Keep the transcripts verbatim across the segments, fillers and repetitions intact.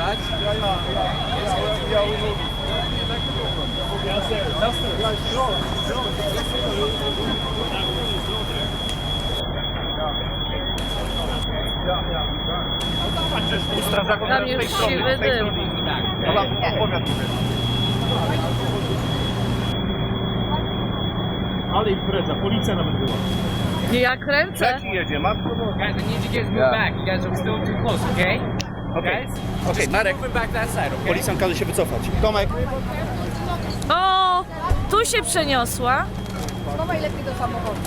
that? Yeah, yeah, yeah. Yeah, we will. Yes, sir. Yes, sir. Yeah, sure. Yeah, yeah. Tam już siwy dym. Ale impreza, policja nawet była. Nie, ja kręcę. Jaki jedzie, matko? Guys, I need you guys to move back. You guys are still too close, okay? Okej, Guys, okej, Marek. moving back that side, okay? Policjant każe się wycofać. Tomek. O, tu się przeniosła. Chowaj lepiej do samochodu.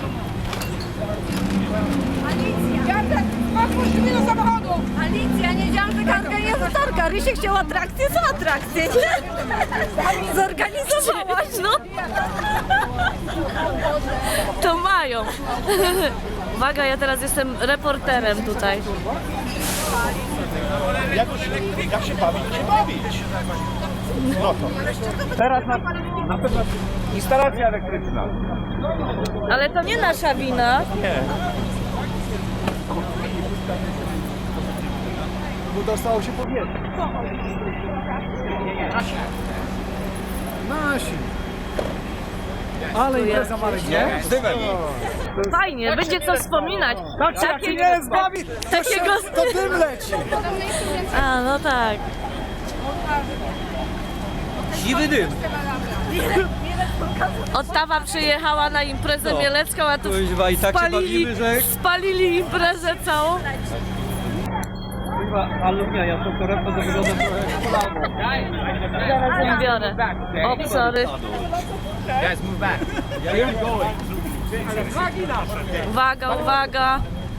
Alicja! Jacek, otwórz drzwi do samochodu! Alicja, nie wiedziałam, że Karka jest latarka. Rysiek chciał atrakcję za atrakcję, nie? Zorganizowałaś, no. To mają. Uwaga, ja teraz jestem reporterem tutaj. Jak, jak się bawić, to się bawić. No to. Teraz na, na pewno instalacja elektryczna. Ale to nie nasza wina. Nie. Bo dostało się powietrze. Nasi. Nasi. Ale impreza Marek, nie? Z dymem. Fajnie, będzie co wspominać. Patrzcie, jak się nie zbawi, takiego... to dym leci. A, no tak. Siwy dym. Ottawa przyjechała na imprezę mielecką, a tu Kuźwa, i tak się spalili, bawimy, że- spalili imprezę całą. Chyba alumnia, ja tą torebkę to wygląda trochę jak kolano. Zaraz ją biorę. O, sorry. Guys, move back. Uwaga, uwaga.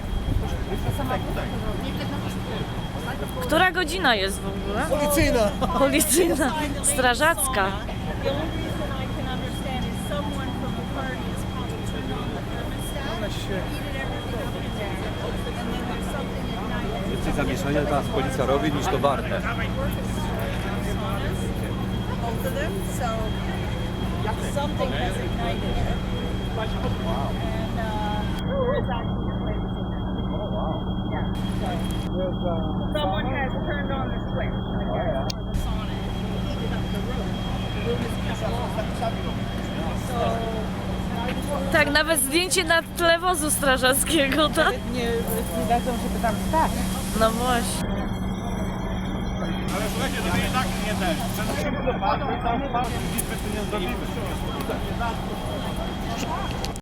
Która godzina jest w ogóle? Policyjna. Policyjna, strażacka. The only reason I can understand is someone from the party is probably turning on the thermostat, heated everything up in there, and then there's something at night. Więcej zamieszania teraz policja robi niż to warte. Both of them, so something has ignited it. And uh, it's actually yeah. So someone has turned on the switch. I guess. On it, heated up the room. The room is kept off. So. Tak, nawet zdjęcie na tle wozu strażackiego, tak? Nie, nie dadzą, żeby tam stać. No właśnie. Ale słuchajcie, to i tak nie ten. Przenosimy do panu i tam nie zdobimy.